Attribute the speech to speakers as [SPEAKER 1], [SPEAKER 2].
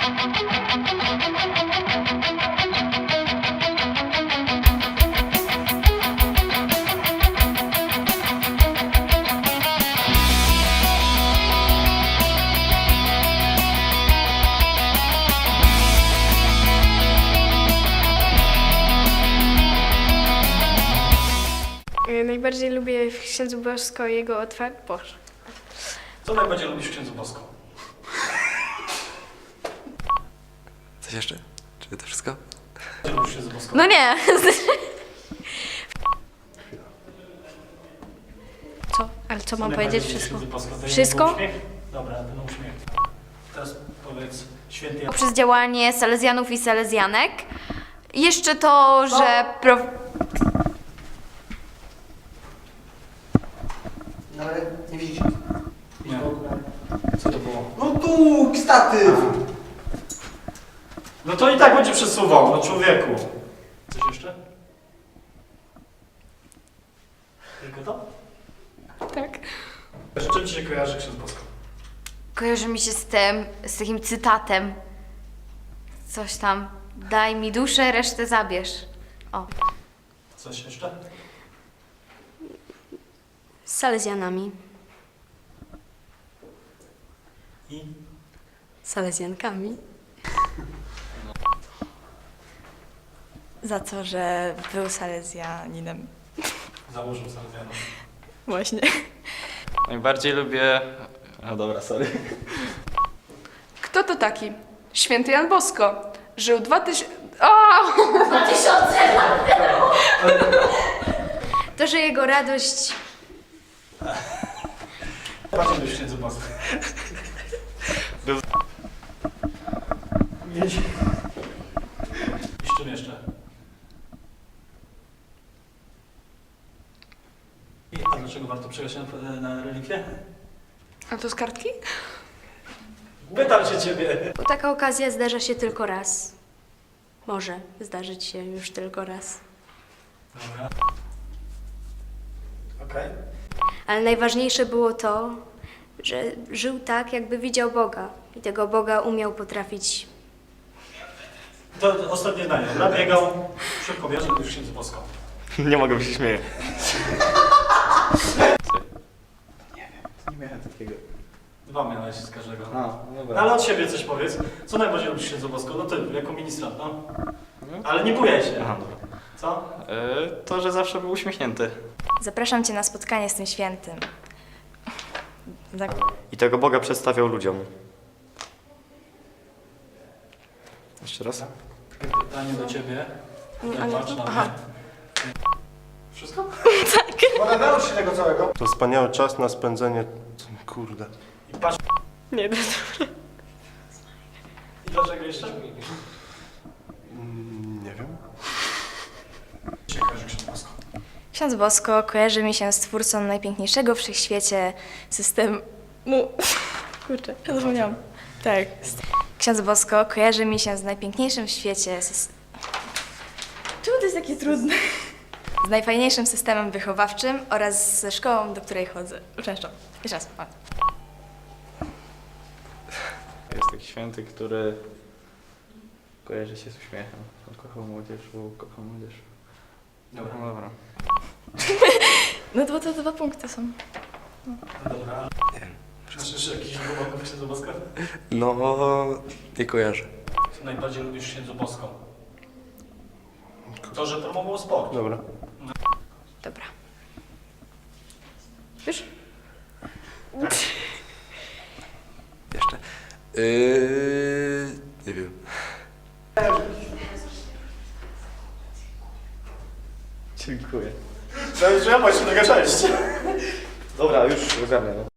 [SPEAKER 1] Najbardziej lubię w księdzu Bosko jego Boże.
[SPEAKER 2] Co najbardziej lubisz w księdzu Bosko?
[SPEAKER 3] Coś jeszcze? Czy to wszystko?
[SPEAKER 2] Co lubisz w księdzu Bosko?
[SPEAKER 4] No nie.
[SPEAKER 1] Co? Ale co mam powiedzieć? Wszystko.
[SPEAKER 2] Wszystko?
[SPEAKER 1] Wszystko?
[SPEAKER 2] Dobra, ten uśmiech. Teraz powiedz święty Jan.
[SPEAKER 4] Przez działanie salezjanów i salezjanek. Jeszcze to, że...
[SPEAKER 5] No ale nie widzisz.
[SPEAKER 2] Nie. Co to było?
[SPEAKER 5] No tu, statyw!
[SPEAKER 2] No to i tak będzie przesuwał, no człowieku. Coś jeszcze? Tylko to?
[SPEAKER 1] Tak.
[SPEAKER 2] Z czym ci się kojarzy ksiądz Bosko?
[SPEAKER 4] Kojarzy mi się z tym, z takim cytatem. Coś tam. Daj mi duszę, resztę zabierz. O.
[SPEAKER 2] Coś jeszcze?
[SPEAKER 1] Z salezjanami.
[SPEAKER 2] I?
[SPEAKER 1] Salezjankami.
[SPEAKER 6] Za to, że był salezjaninem.
[SPEAKER 2] Założył salezjanów.
[SPEAKER 6] Właśnie.
[SPEAKER 3] Najbardziej lubię... No dobra, sorry.
[SPEAKER 7] Kto to taki? Święty Jan Bosko. Żył 2000...
[SPEAKER 4] To, że jego radość...
[SPEAKER 2] Bardziej lubisz w księdzu Bosko.
[SPEAKER 3] Był-
[SPEAKER 2] Mieć. I z czym jeszcze? A dlaczego warto przejść na relikwie?
[SPEAKER 7] A to z kartki?
[SPEAKER 2] Pytam się ciebie.
[SPEAKER 1] Bo taka okazja zdarza się tylko raz. Może zdarzyć się już tylko raz.
[SPEAKER 2] Dobra. Okej.
[SPEAKER 1] Ale najważniejsze było to, że żył tak, jakby widział Boga. I tego Boga umiał potrafić.
[SPEAKER 2] To ostatnie zdanie, dobra? Biegał, szybko wiesz, że lubisz księdzu Bosko.
[SPEAKER 3] Nie mogę, bo się śmieję. Nie miałem takiego.
[SPEAKER 2] 2 miałeś z każdego.
[SPEAKER 3] No
[SPEAKER 2] No
[SPEAKER 3] dobra.
[SPEAKER 2] ale od siebie coś powiedz. Co najbardziej lubisz księdzu Bosko? No ty, jako ministrant, no. Ale nie bujaj się.
[SPEAKER 3] Aha, dobra.
[SPEAKER 2] Co?
[SPEAKER 3] To, że zawsze był uśmiechnięty.
[SPEAKER 6] Zapraszam cię na spotkanie z tym świętym.
[SPEAKER 3] I tego Boga przedstawiał ludziom. Jeszcze raz?
[SPEAKER 2] Pytanie do ciebie. Tutaj patrz na
[SPEAKER 1] Aha.
[SPEAKER 2] mnie. Wszystko?
[SPEAKER 5] Mogę nauczyć się tego całego?
[SPEAKER 8] To wspaniały czas na spędzenie... Kurde.
[SPEAKER 2] I patrz.
[SPEAKER 1] Nie,
[SPEAKER 2] I dlaczego jeszcze?
[SPEAKER 8] Nie wiem.
[SPEAKER 2] Cię kojarzy księdzu Bosko.
[SPEAKER 6] Ksiądz Bosko kojarzy mi się z twórcą najpiękniejszego w wszechświecie systemu... Kurczę, ja zapomniałam. Tak. Ksiądz Bosko kojarzy mi się z najpiękniejszym w świecie... Czemu to jest takie trudne? Z najfajniejszym systemem wychowawczym oraz ze szkołą, do której chodzę. Uczęszczam. Jeszcze raz. O.
[SPEAKER 3] Jest taki święty, który kojarzy się z uśmiechem. Kochał młodzież, kochał młodzież.
[SPEAKER 2] Dobra.
[SPEAKER 3] No dobra.
[SPEAKER 6] No to 2 punkty są.
[SPEAKER 2] Dobra. Słyszysz jakiś głęboko w księdzu Bosko?
[SPEAKER 3] No, nie kojarzę.
[SPEAKER 2] Co najbardziej lubisz w księdzu Bosko? To, że promował sport.
[SPEAKER 8] Dobra.
[SPEAKER 1] Dobra. Już?
[SPEAKER 3] Jeszcze? Nie wiem. Dziękuję.
[SPEAKER 2] Że ja właśnie tego 6.
[SPEAKER 3] Dobra, już ogarnę.